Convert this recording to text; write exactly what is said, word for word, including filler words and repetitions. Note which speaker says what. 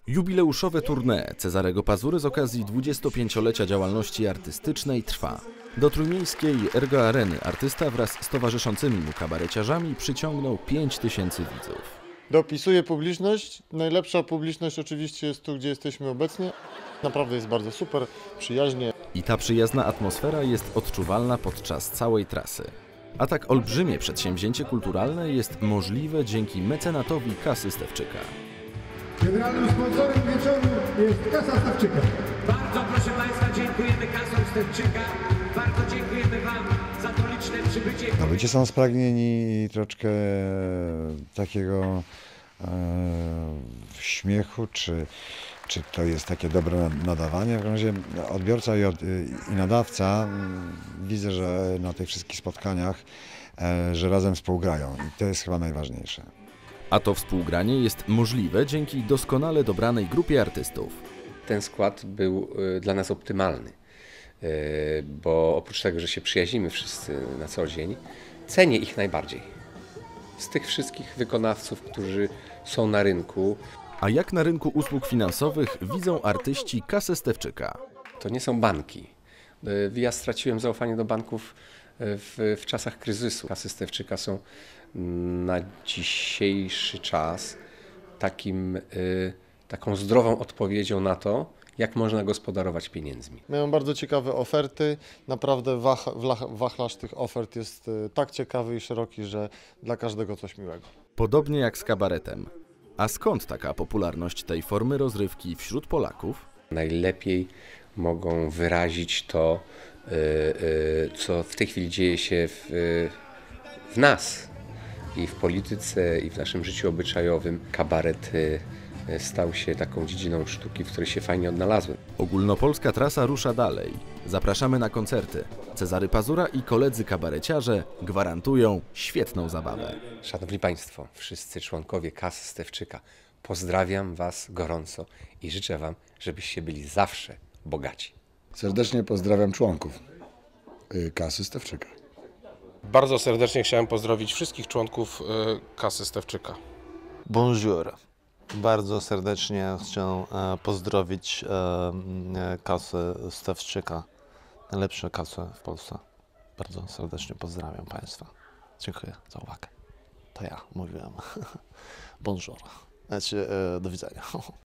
Speaker 1: Jubileuszowe tournée Cezarego Pazury z okazji dwudziestopięciolecia działalności artystycznej trwa. Do trójmiejskiej Ergo Areny artysta wraz z towarzyszącymi mu kabareciarzami przyciągnął pięć tysięcy widzów.
Speaker 2: Dopisuje publiczność. Najlepsza publiczność oczywiście jest tu, gdzie jesteśmy obecnie. Naprawdę jest bardzo super, przyjaźnie.
Speaker 1: I ta przyjazna atmosfera jest odczuwalna podczas całej trasy. A tak olbrzymie przedsięwzięcie kulturalne jest możliwe dzięki mecenatowi Kasy Stefczyka.
Speaker 3: Generalnym sponsorem wieczoru jest Kasa Stefczyka.
Speaker 4: Bardzo proszę Państwa, dziękujemy Kasom Stefczyka. Bardzo dziękujemy Wam za to liczne przybycie.
Speaker 5: No, ludzie są spragnieni troszkę takiego e, śmiechu, czy, czy to jest takie dobre nadawanie. W każdym razie odbiorca i, od, i nadawca, widzę, że na tych wszystkich spotkaniach, e, że razem współgrają i to jest chyba najważniejsze.
Speaker 1: A to współgranie jest możliwe dzięki doskonale dobranej grupie artystów.
Speaker 6: Ten skład był dla nas optymalny, bo oprócz tego, że się przyjaźnimy wszyscy na co dzień, cenię ich najbardziej. Z tych wszystkich wykonawców, którzy są na rynku.
Speaker 1: A jak na rynku usług finansowych widzą artyści Kasę Stefczyka?
Speaker 6: To nie są banki. Ja straciłem zaufanie do banków w, w czasach kryzysu. Kasy Stefczyka są na dzisiejszy czas takim, y, taką zdrową odpowiedzią na to, jak można gospodarować pieniędzmi.
Speaker 2: Mają bardzo ciekawe oferty. Naprawdę wach, wachlarz tych ofert jest y, tak ciekawy i szeroki, że dla każdego coś miłego.
Speaker 1: Podobnie jak z kabaretem. A skąd taka popularność tej formy rozrywki wśród Polaków?
Speaker 6: Najlepiej mogą wyrazić to, y, y, co w tej chwili dzieje się w, w nas. I w polityce, i w naszym życiu obyczajowym kabaret stał się taką dziedziną sztuki, w której się fajnie odnalazłem.
Speaker 1: Ogólnopolska trasa rusza dalej. Zapraszamy na koncerty. Cezary Pazura i koledzy kabareciarze gwarantują świetną zabawę.
Speaker 6: Szanowni Państwo, wszyscy członkowie Kasy Stefczyka, pozdrawiam Was gorąco i życzę Wam, żebyście byli zawsze bogaci.
Speaker 5: Serdecznie pozdrawiam członków Kasy Stefczyka.
Speaker 7: Bardzo serdecznie chciałem pozdrowić wszystkich członków Kasy Stefczyka.
Speaker 8: Bonjour. Bardzo serdecznie chcę pozdrowić Kasę Stefczyka. Najlepsze kasy w Polsce. Bardzo serdecznie pozdrawiam Państwa. Dziękuję za uwagę. To ja mówiłem. Bonjour. Znaczy, do widzenia.